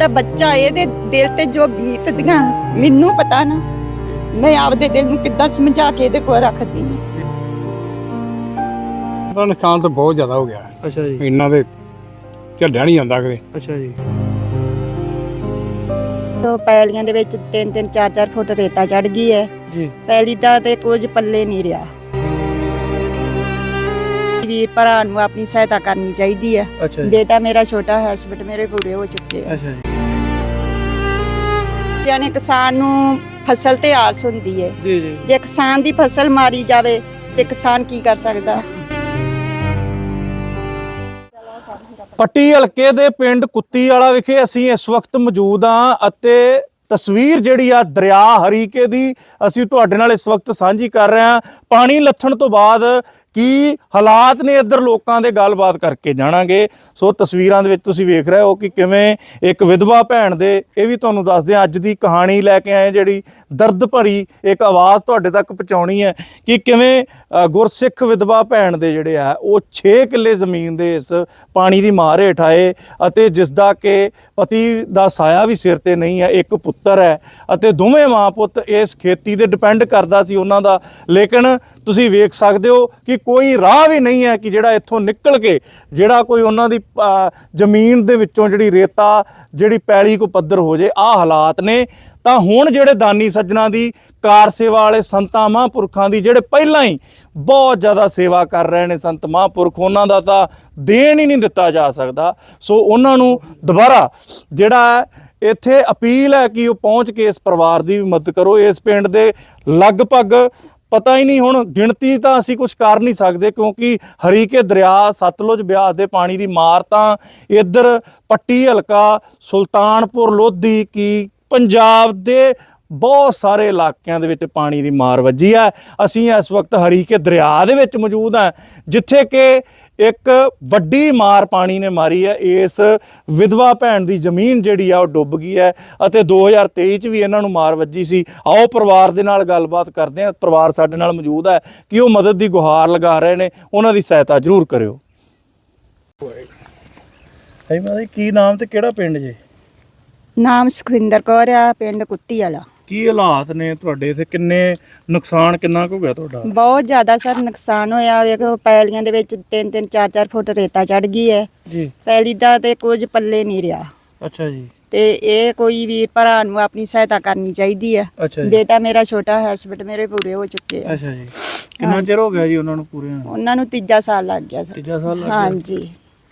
ਜਿਹੜਾ ਬੱਚਾ ਇਹਦੇ ਦਿਲ ਤੇ ਜੋ ਬੀਤਦੀਆਂ ਮੈਨੂੰ ਪਤਾ ਨਾ, ਮੈਂ ਆਪਦੇ ਦਿਲ ਨੂੰ ਕਿੱਦਾਂ ਸਮਝਾ ਕੇ ਇਹਦੇ ਕੋਲ ਰੱਖਦੀ ਹਾਂ। ਉਹਦਾ ਨੁਕਸਾਨ ਤਾਂ ਬਹੁਤ ਜ਼ਿਆਦਾ ਹੋ ਗਿਆ। ਅੱਛਾ ਜੀ। ਇਹਨਾਂ ਦੇ ਝੱਲਿਆ ਨਹੀਂ ਜਾਂਦਾ ਕਿਤੇ। ਅੱਛਾ ਜੀ। ਤੋ ਪੈਲੀਆਂ ਦੇ ਵਿੱਚ 3-3 4-4 ਫੁੱਟ ਰੇਤਾ ਚੜ ਗਈ ਹੈ ਜੀ। ਪੈਲੀ ਦਾ ਤੇ ਕੁਝ ਪੱਲੇ ਨਹੀਂ ਰਿਹਾ। ਵੀਰ ਭਰਾ ਨੂੰ ਆਪਣੀ ਸਹਾਇਤਾ ਕਰਨੀ ਚਾਹੀਦੀ ਹੈ। ਅੱਛਾ ਜੀ। ਬੇਟਾ ਮੇਰਾ ਛੋਟਾ ਹੈ, ਹਸਬੈਂਡ ਮੇਰੇ ਬੁੜੇ ਹੋ ਚੁੱਕੇ ਆ। ਅੱਛਾ ਜੀ। ਜਾਨੇ ਕਿਸਾਨ ਨੂੰ ਫਸਲ ਤੇ ਆਸ ਹੁੰਦੀ ਹੈ। ਜੀ ਜੀ। ਜੇ ਕਿਸਾਨ ਦੀ ਫਸਲ ਮਾਰੀ ਜਾਵੇ ਤੇ ਕਿਸਾਨ ਕੀ ਕਰ ਸਕਦਾ। ਪੱਟੀ ਹਲਕੇ ਦੇ ਪਿੰਡ ਕੁੱਤੀ ਵਾਲਾ ਵਿਖੇ ਅਸੀਂ ਇਸ ਵਕਤ ਮੌਜੂਦ ਹਾਂ ਅਤੇ ਤਸਵੀਰ ਜਿਹੜੀ ਆ ਦਰਿਆ ਹਰੀਕੇ ਦੀ ਅਸੀਂ ਤੁਹਾਡੇ ਨਾਲ ਇਸ ਵਕਤ ਸਾਂਝੀ ਕਰ ਰਹੇ ਹਾਂ। ਪਾਣੀ ਲੱਥਣ ਤੋਂ ਬਾਅਦ ਕੀ ਹਾਲਾਤ ਨੇ ਇੱਧਰ ਲੋਕਾਂ ਦੇ ਗੱਲਬਾਤ ਕਰਕੇ ਜਾਣਾਂਗੇ। ਸੋ ਤਸਵੀਰਾਂ ਦੇ ਵਿੱਚ ਤੁਸੀਂ ਵੇਖ ਰਹੇ ਹੋ ਕਿ ਕਿਵੇਂ ਇੱਕ ਵਿਧਵਾ ਭੈਣ ਦੇ, ਇਹ ਵੀ ਤੁਹਾਨੂੰ ਦੱਸਦੇ ਹਾਂ ਅੱਜ ਦੀ ਕਹਾਣੀ ਲੈ ਕੇ ਆਏ, ਜਿਹੜੀ ਦਰਦ ਭਰੀ ਇੱਕ ਆਵਾਜ਼ ਤੁਹਾਡੇ ਤੱਕ ਪਹੁੰਚਾਉਣੀ ਹੈ ਕਿ ਕਿਵੇਂ ਗੁਰਸਿੱਖ ਵਿਧਵਾ ਭੈਣ ਦੇ ਜਿਹੜੇ ਆ ਉਹ 6 ਕਿੱਲੇ ਜ਼ਮੀਨ ਦੇ ਇਸ ਪਾਣੀ ਦੀ ਮਾਰ ਹੇਠ ਆਏ ਅਤੇ ਜਿਸ ਦਾ ਕਿ ਪਤੀ ਦਾ ਸਾਇਆ ਵੀ ਸਿਰ ਤੇ ਨਹੀਂ ਹੈ, ਇੱਕ ਪੁੱਤਰ ਹੈ ਅਤੇ ਦੋਵੇਂ ਮਾਂ ਪੁੱਤ ਇਸ ਖੇਤੀ ਤੇ ਡਿਪੈਂਡ ਕਰਦਾ ਸੀ ਉਹਨਾਂ ਦਾ। ਲੇਕਿਨ ਤੁਸੀਂ ਵੇਖ ਸਕਦੇ ਹੋ ਕਿ ਕੋਈ ਰਾਹ ਵੀ ਨਹੀਂ ਹੈ ਕਿ ਜਿਹੜਾ ਇੱਥੋਂ ਨਿਕਲ ਕੇ ਜਿਹੜਾ ਕੋਈ ਉਹਨਾਂ ਦੀ ਜ਼ਮੀਨ ਦੇ ਵਿੱਚੋਂ ਜਿਹੜੀ ਰੇਤਾ ਜਿਹੜੀ ਪੈਲੀ ਕੋ ਪੱਧਰ ਹੋ ਜੇ। ਆਹ ਹਾਲਾਤ ਨੇ। ਤਾਂ ਹੁਣ ਜਿਹੜੇ ਦਾਨੀ ਸੱਜਣਾ ਦੀ, ਕਾਰ ਸੇਵਾ ਵਾਲੇ ਸੰਤਾਂ ਮਹਾਂਪੁਰਖਾਂ ਦੀ, ਜਿਹੜੇ ਪਹਿਲਾਂ ਹੀ ਬਹੁਤ ਜ਼ਿਆਦਾ ਸੇਵਾ ਕਰ ਰਹੇ ਨੇ ਸੰਤ ਮਹਾਂਪੁਰਖ, ਉਹਨਾਂ ਦਾ ਤਾਂ ਦੇਣ ਹੀ ਨਹੀਂ ਦਿੱਤਾ ਜਾ ਸਕਦਾ। ਸੋ ਉਹਨਾਂ ਨੂੰ ਦੁਬਾਰਾ ਜਿਹੜਾ ਇੱਥੇ ਅਪੀਲ ਹੈ ਕਿ ਉਹ ਪਹੁੰਚ ਕੇ ਇਸ ਪਰਿਵਾਰ ਦੀ ਵੀ ਮਦਦ ਕਰੋ। ਇਸ ਪਿੰਡ ਦੇ ਲਗਭਗ ਪਤਾ ਹੀ ਨਹੀਂ, ਹੁਣ ਗਿਣਤੀ ਤਾਂ ਅਸੀਂ ਕੁਝ ਕਰ ਨਹੀਂ ਸਕਦੇ ਕਿਉਂਕਿ ਹਰੀਕੇ ਦਰਿਆ ਸਤਲੁਜ ਬਿਆਸ ਦੇ ਪਾਣੀ ਦੀ ਮਾਰ ਤਾਂ ਇੱਧਰ ਪੱਟੀ ਹਲਕਾ, ਸੁਲਤਾਨਪੁਰ ਲੋਧੀ ਕੀ ਪੰਜਾਬ ਦੇ ਬਹੁਤ ਸਾਰੇ ਇਲਾਕਿਆਂ ਦੇ ਵਿੱਚ ਪਾਣੀ ਦੀ ਮਾਰ ਵੱਜੀ ਹੈ। ਅਸੀਂ ਇਸ ਵਕਤ ਹਰੀਕੇ ਦਰਿਆ ਦੇ ਵਿੱਚ ਮੌਜੂਦ ਹਾਂ ਜਿੱਥੇ ਕਿ ਇੱਕ ਵੱਡੀ ਮਾਰ ਪਾਣੀ ਨੇ ਮਾਰੀ ਹੈ। ਇਸ ਵਿਧਵਾ ਭੈਣ ਦੀ ਜ਼ਮੀਨ ਜਿਹੜੀ ਆ ਉਹ ਡੁੱਬ ਗਈ ਹੈ ਅਤੇ 2023 'ਚ ਵੀ ਇਹਨਾਂ ਨੂੰ ਮਾਰ ਵੱਜੀ ਸੀ। ਆਓ ਪਰਿਵਾਰ ਦੇ ਨਾਲ ਗੱਲਬਾਤ ਕਰਦੇ ਹਾਂ। ਪਰਿਵਾਰ ਸਾਡੇ ਨਾਲ ਮੌਜੂਦ ਹੈ ਕਿ ਉਹ ਮਦਦ ਦੀ ਗੁਹਾਰ ਲਗਾ ਰਹੇ ਨੇ, ਉਹਨਾਂ ਦੀ ਸਹਾਇਤਾ ਜ਼ਰੂਰ ਕਰਿਓ। ਕੀ ਨਾਮ ਤੇ ਕਿਹੜਾ ਪਿੰਡ ਜੇ? ਨਾਮ ਸੁਖਵਿੰਦਰ ਕੌਰ ਆ, ਪਿੰਡ ਕੁੱਤੀ ਵਾਲਾ। ਕੀ ਹਾਲਾਤ ਨੇ ਤੁਹਾਡੇ ਇੱਥੇ? ਕਿੰਨੇ ਨੁਕਸਾਨ ਕਿੰਨਾ ਕੁ ਹੋ ਗਿਆ ਤੁਹਾਡਾ? ਬਹੁਤ ਜ਼ਿਆਦਾ ਸਰ ਨੁਕਸਾਨ ਹੋਇਆ। ਵੇਖੋ ਪੈਲੀਆਂ ਦੇ ਵਿੱਚ 3-3 4-4 ਫੁੱਟ ਰੇਤਾ ਚੜ ਗਈ ਹੈ ਜੀ। ਪੈਲੀ ਦਾ ਤੇ ਕੁਝ ਪੱਲੇ ਨਹੀਂ ਰਿਹਾ। ਅੱਛਾ ਜੀ। ਤੇ ਇਹ ਕੋਈ ਵੀਰ ਭਰਾ ਨੂੰ ਆਪਣੀ ਸਹਾਇਤਾ ਕਰਨੀ ਚਾਹੀਦੀ ਹੈ। ਅੱਛਾ ਜੀ। ਬੇਟਾ ਮੇਰਾ ਛੋਟਾ ਹੈ, ਹਸਬੈਂਡ ਮੇਰੇ ਬੁੜੇ ਹੋ ਚੁੱਕੇ ਆ। ਅੱਛਾ ਜੀ। ਕਿੰਨਾ ਚਿਰ ਹੋ ਗਿਆ ਜੀ ਉਹਨਾਂ ਨੂੰ ਪੂਰੇ? ਉਹਨਾਂ ਨੂੰ 3 ਸਾਲ ਲੱਗ ਗਿਆ ਸਰ। 3 ਸਾਲ ਲੱਗ ਗਏ। ਹਾਂਜੀ।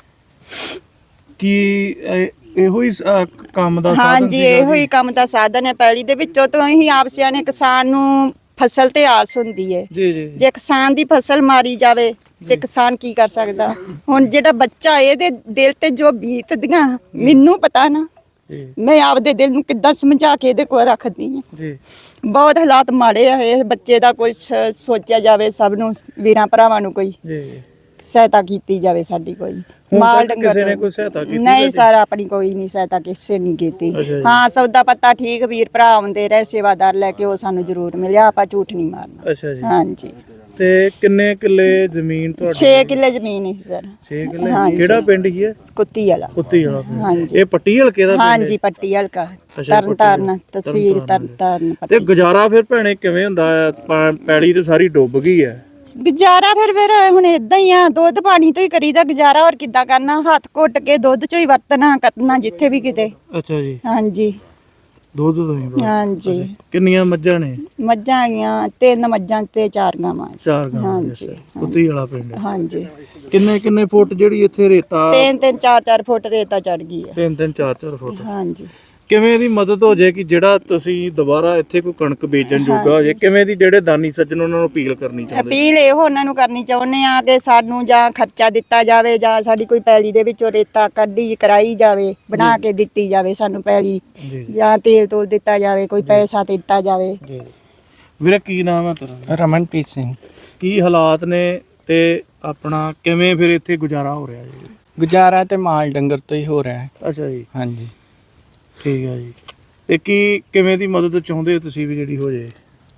ਕੀ ਇਹੋ ਹੀ ਕੰਮ ਦਾ ਸਾਧਨ ਹਾਂਜੀ, ਸੀਗਾ ਇਹੋ ਹੀ ਜੀ? ਕੰਮ ਦਾ ਸਾਧਨ ਹੈ। ਪੈਲੀ ਦੇ ਵਿੱਚੋਂ ਤੋਂ ਹੀ ਆਪਸਿਆਂ ਨੇ ਕਿਸਾਨ ਨੂੰ ਫਸਲ ਤੇ ਆਸ ਹੁੰਦੀ ਹੈ। ਜੀ ਜੀ। ਜੇ ਕਿਸਾਨ ਦੀ ਫਸਲ ਮਾਰੀ ਜਾਵੇ ਤੇ ਕਿਸਾਨ ਕੀ ਕਰ ਸਕਦਾ। ਹੁਣ ਜਿਹੜਾ ਬੱਚਾ ਇਹਦੇ ਦਿਲ ਤੇ ਜੋ ਬੀਤਦੀਆਂ ਮੈਨੂੰ ਪਤਾ ਨਾ, ਜੀ ਮੈਂ ਆਪਦੇ ਦਿਲ ਨੂੰ ਕਿੱਦਾਂ ਸਮਝਾ ਕੇ ਇਹਦੇ ਕੋਲ ਰੱਖਦੀ ਹਾਂ। ਜੀ। ਬਹੁਤ ਹਾਲਾਤ ਮਾੜੇ ਆ। ਇਹ ਬੱਚੇ ਦਾ ਕੋਈ ਸੋਚਿਆ ਜਾਵੇ, ਸਭ ਨੂੰ ਵੀਰਾਂ ਭਰਾਵਾਂ ਨੂੰ ਕੋਈ ਜੀ। ਸਹਾਇਤਾ ਕੀਤੀ ਜਾਵੇ ਸਾਡੀ। ਕੋਈ ਮਾਲ ਡੰਗਰ ਕਿਸੇ ਨੇ ਕੋਈ ਸਹਾਇਤਾ ਕੀਤੀ? ਨਹੀਂ ਸਰ, ਆਪਣੀ ਕੋਈ ਨਹੀਂ ਸਹਾਇਤਾ ਕਿਸੇ ਨਹੀਂ ਕੀਤੀ। ਅੱਛਾ ਜੀ। ਹਾਂ, ਸੌਦਾ ਪੱਤਾ ਠੀਕ, ਵੀਰ ਭਰਾ ਆਉਂਦੇ ਰਹੇ ਸੇਵਾਦਾਰ ਲੈ ਕੇ, ਉਹ ਸਾਨੂੰ ਜ਼ਰੂਰ ਮਿਲਿਆ। ਆਪਾਂ ਝੂਠ ਨਹੀਂ ਮਾਰਨਾ। ਅੱਛਾ ਜੀ। ਹਾਂਜੀ। ਤੇ ਕਿੰਨੇ ਕਿੱਲੇ ਜ਼ਮੀਨ ਤੁਹਾਡੀ? 6 ਕਿੱਲੇ ਜ਼ਮੀਨ ਹੈ ਸਰ। 6 ਕਿੱਲੇ। ਹਾਂਜੀ। ਕਿਹੜਾ ਪਿੰਡ ਹੀ ਹੈ? ਕੁੱਤੀ ਵਾਲਾ। ਕੁੱਤੀ ਵਾਲਾ ਪਿੰਡ। ਹਾਂਜੀ। ਇਹ ਪੱਟੀ ਹਲਕੇ ਦਾ ਪਿੰਡ ਹੈ? ਹਾਂਜੀ, ਪੱਟੀ ਹਲਕਾ, ਅੱਛਾ, ਤਰਨ ਤਾਰਨ ਪੱਟੀ। ਤਹਿਸੀਲ ਤਰਨ ਤਾਰਨ ਤੇ ਪੱਟੀ। ਗੁਜ਼ਾਰਾ ਫਿਰ ਭੈਣੇ ਕਿਵੇਂ ਹੁੰਦਾ ਹੈ? ਪੈਲੀ ਤੇ ਸਾਰੀ ਡੁੱਬ ਗਈ ਹੈ। ਗੁਜ਼ਾਰਾ ਫਿਰ ਹੁਣ ਇਦਾਂ ਹੀ ਆ, ਦੁੱਧ ਪਾਣੀ ਤੋਂ ਹੀ ਕਰੀਦਾ ਗੁਜ਼ਾਰਾ। ਹੋਰ ਕਿੱਦਾਂ ਕਰਨਾ? ਹੱਥ ਘੁੱਟ ਕੇ ਦੁੱਧ ਚੋਂ ਹੀ ਵਰਤਣਾ ਕਰਨਾ ਜਿੱਥੇ ਵੀ ਕਿਤੇ। ਅੱਛਾ ਜੀ। ਹਾਂਜੀ। ਦੁੱਧ ਤੋਂ ਹੀ ਬਸ। ਹਾਂਜੀ। ਕਿੰਨੀਆਂ ਮੱਝਾਂ ਨੇ? ਮੱਝਾਂ ਹੈਗੀਆਂ 3 ਮੱਝਾਂ ਤੇ 4 ਗਾਵਾਂ। 4 ਗਾਵਾਂ। ਹਾਂਜੀ। ਕੁੱਤੀ ਵਾਲਾ ਪਿੰਡ। ਹਾਂਜੀ। ਕਿੰਨੇ ਕਿੰਨੇ ਫੁੱਟ ਜਿਹੜੀ ਇੱਥੇ ਰੇਤਾ? 3-3 4-4 ਫੁੱਟ ਰੇਤਾ ਚੜ ਗਈ ਹੈ। 3-3 4-4 ਫੁੱਟ। ਹਾਂਜੀ। ਕਿਵੇਂ ਦੀ ਮਦਦ ਹੋ ਜੇ ਕਿ ਜਿਹੜਾ ਤੁਸੀਂ ਦੁਬਾਰਾ ਇੱਥੇ ਕੋਈ ਕਣਕ ਬੀਜਣ ਜੋਗਾ ਹੋ ਜੇ? ਕਿਵੇਂ ਦੀ ਜਿਹੜੇ ਦਾਨੀ ਸੱਜਣ ਉਹਨਾਂ ਨੂੰ ਅਪੀਲ ਕਰਨੀ ਚਾਹੁੰਦੇ? ਅਪੀਲ ਇਹੋ ਉਹਨਾਂ ਨੂੰ ਕਰਨੀ ਚਾਹੁੰਦੇ ਆ ਕਿ ਸਾਨੂੰ ਜਾਂ ਖਰਚਾ ਦਿੱਤਾ ਜਾਵੇ ਜਾਂ ਸਾਡੀ ਕੋਈ ਪੈਲੀ ਦੇ ਵਿੱਚੋਂ ਰੇਤਾ ਕੱਢੀ ਕਰਾਈ ਜਾਵੇ, ਬਣਾ ਕੇ ਦਿੱਤੀ ਜਾਵੇ ਸਾਨੂੰ ਪੈਲੀ, ਜੀ ਜਾਂ ਤੇਲ ਤੋਲ ਦਿੱਤਾ ਜਾਵੇ, ਕੋਈ ਪੈਸਾ ਦਿੱਤਾ ਜਾਵੇ। ਜੀ। ਵੀਰੇ ਕੀ ਨਾਮ ਹੈ ਤੇਰਾ? ਰਮਨਪ੍ਰੀਤ ਸਿੰਘ। ਕੀ ਹਾਲਾਤ ਨੇ ਤੇ ਆਪਣਾ ਕਿਵੇਂ ਫਿਰ ਇੱਥੇ ਗੁਜ਼ਾਰਾ ਹੋ ਰਿਹਾ ਜੀ? ਗੁਜ਼ਾਰਾ ਤੇ ਮਾਲ ਡੰਗਰ ਤੋਂ ਹੀ ਹੋ ਰਿਹਾ ਹੈ। ਅੱਛਾ ਜੀ। ਹਾਂਜੀ। ਠੀਕ ਹੈ ਜੀ। ਤੇ ਕੀ ਕਿਵੇਂ ਦੀ ਮਦਦ ਚਾਹੁੰਦੇ ਹੋ ਤੁਸੀਂ ਵੀ ਜਿਹੜੀ ਹੋ ਜੇ?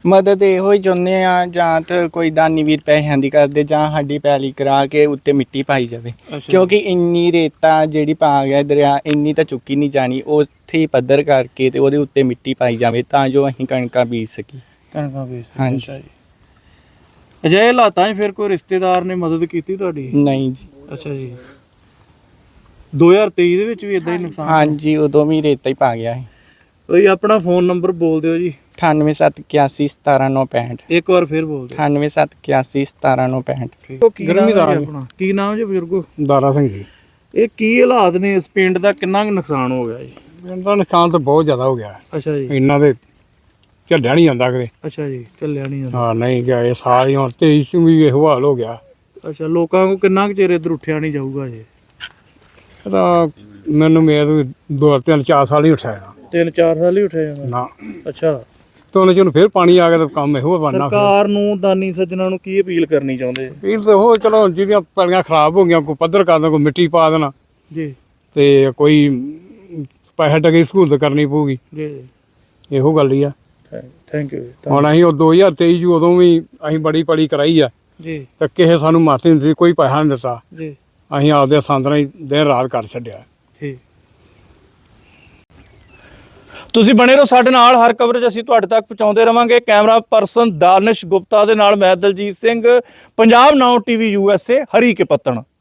ਮਦਦ ਇਹੋ ਹੀ ਚਾਹੁੰਦੇ ਆ, ਜਾਂ ਤਾਂ ਕੋਈ ਦਾਨੀ ਵੀਰ ਪੈਸਿਆਂ ਦੀ ਕਰਦੇ, ਜਾਂ ਸਾਡੀ ਪੈਲੀ ਕਰਾ ਕੇ ਉੱਤੇ ਮਿੱਟੀ ਪਾਈ ਜਾਵੇ। ਕਿਉਂਕਿ ਇੰਨੀ ਰੇਤਾ ਜਿਹੜੀ ਪਾ ਗਿਆ ਦਰਿਆ, ਇੰਨੀ ਤਾਂ ਚੁੱਕੀ ਨਹੀਂ ਜਾਣੀ, ਉੱਥੇ ਹੀ ਪੱਧਰ ਕਰਕੇ ਤੇ ਉਹਦੇ ਉੱਤੇ ਮਿੱਟੀ ਪਾਈ ਜਾਵੇ ਤਾਂ ਜੋ ਅਸੀਂ ਕਣਕਾਂ ਬੀਜ ਸਕੀ। ਕਣਕਾਂ ਵੇਚ ਹਾਂਜੀ। ਅਜਿਹੇ ਹਾਲਾਤਾਂ 'ਚ ਫਿਰ ਕੋਈ ਰਿਸ਼ਤੇਦਾਰ ਨੇ ਮਦਦ ਕੀਤੀ ਤੁਹਾਡੀ? ਨਹੀਂ ਜੀ। ਅੱਛਾ ਜੀ। 2023 ਦੇ ਵਿੱਚ ਵੀ ਇਦਾਂ ਹੀ ਨੁਕਸਾਨ? ਹਾਂਜੀ, ਉਦੋਂ ਵੀ ਰੇਤਾ ਹੀ ਪਾ ਗਿਆ ਸੀ। ਕੋਈ ਆਪਣਾ ਫੋਨ ਨੰਬਰ ਬੋਲ ਦਿਓ ਜੀ। 9871817965। ਇੱਕ ਵਾਰ ਫਿਰ ਬੋਲ ਦਿਓ। 9871817965। ਗਰਮੀਦਾਰ ਜੀ। ਆਪਣਾ ਕੀ ਨਾਮ ਜੀ ਬਜ਼ੁਰਗੋ? ਦਾਰਾ ਸਿੰਘ ਜੀ। ਇਹ ਕੀ ਹਾਲਾਤ ਨੇ ਇਸ ਪਿੰਡ ਦਾ, ਕਿੰਨਾ ਕੁ ਨੁਕਸਾਨ ਹੋ ਗਿਆ ਜੀ? ਪਿੰਡ ਦਾ ਨੁਕਸਾਨ ਤਾਂ ਬਹੁਤ ਜ਼ਿਆਦਾ ਹੋ ਗਿਆ। ਅੱਛਾ ਜੀ। ਇੰਨਾ ਦੇ ਝੱਲਿਆ ਨਹੀਂ ਜਾਂਦਾ ਕਿਤੇ। ਅੱਛਾ ਜੀ, ਚੱਲਿਆ ਨਹੀਂ ਜਾਂਦਾ। ਹਾਂ ਨਹੀਂ ਗਿਆ, ਇਹ ਸਾਰੀ ਹੁਣ 23 ਚ ਵੀ ਇਹੋ ਹਾਲ ਹੋ ਗਿਆ। ਅੱਛਾ, ਲੋਕਾਂ ਕੋ ਕਿੰਨਾ ਕੁ ਚਿਰ ਇੱਧਰ ਉੱਠਿਆ ਨਹੀਂ ਜਾਊਗਾ ਜੀ? ਇਹ ਤਾਂ ਮੈਨੂੰ ਮੇਰੇ 2-3-4 ਸਾਲ ਹੀ ਉੱਠਿਆ 3-4 ਸਾਲ ਹੀ ਉੱਠਿਆ ਜਾਂਦਾ। ਨਾ। ਅੱਛਾ, ਤੇ ਉਹਨੇ ਜਦੋਂ ਫਿਰ ਪਾਣੀ ਆ ਗਿਆ ਤਾਂ ਕੰਮ ਇਹੋ ਬਣਨਾ। ਸਰਕਾਰ ਨੂੰ, ਦਾਨੀ ਸੱਜਣਾ ਨੂੰ ਕੀ ਅਪੀਲ ਕਰਨੀ ਚਾਹੁੰਦੇ? ਫਿਰ ਤੇ ਉਹ ਚਲੋ ਜਿਹਦੀਆਂ ਪੈਲੀਆਂ ਖਰਾਬ ਹੋ ਗਈਆਂ, ਕੋਈ ਪੱਧਰ ਕਰ ਦੇਣਾ, ਕੋਈ ਮਿੱਟੀ ਪਾ ਦੇਣਾ, ਜੀ ਤੇ ਕੋਈ ਪੈਸੇ ਟਕੇ ਸਹੂਲਤ ਕਰਨੀ ਪਊਗੀ। ਜੀ, ਇਹੋ ਗੱਲ ਹੀ ਆ। ਥੈਂਕ ਯੂ ਹੁਣ ਅਸੀਂ ਉਹ 2023 ਚ ਉਦੋਂ ਵੀ ਅਸੀਂ ਬੜੀ ਪੜੀ ਕਰਾਈ ਆ, ਜੀ ਤੇ ਕਿਸੇ ਸਾਨੂੰ ਮਾਰਤੀ ਨਹੀਂ ਦਿੱਤੀ, ਕੋਈ ਪੈਸਾ ਨਹੀਂ ਦਿੱਤਾ। ਜੀ, ਅਸੀਂ ਆਪਦੇ ਸੰਦਰਾਂ ਹੀ ਦਿਨ ਰਾਤ ਕਰ ਛੱਡਿਆ। ਠੀਕ। ਤੁਸੀਂ ਬਣੇ ਰਹੋ ਸਾਡੇ ਨਾਲ, ਹਰ ਕਵਰੇਜ ਅਸੀਂ ਤੁਹਾਡੇ ਤੱਕ ਪਹੁੰਚਾਉਂਦੇ ਰਵਾਂਗੇ। ਕੈਮਰਾ ਪਰਸਨ ਦਾਨਿਸ਼ ਗੁਪਤਾ ਦੇ ਨਾਲ ਮੈਂ Daljit Singh, Punjab now TV USA, Harike ਪੱਤਣ।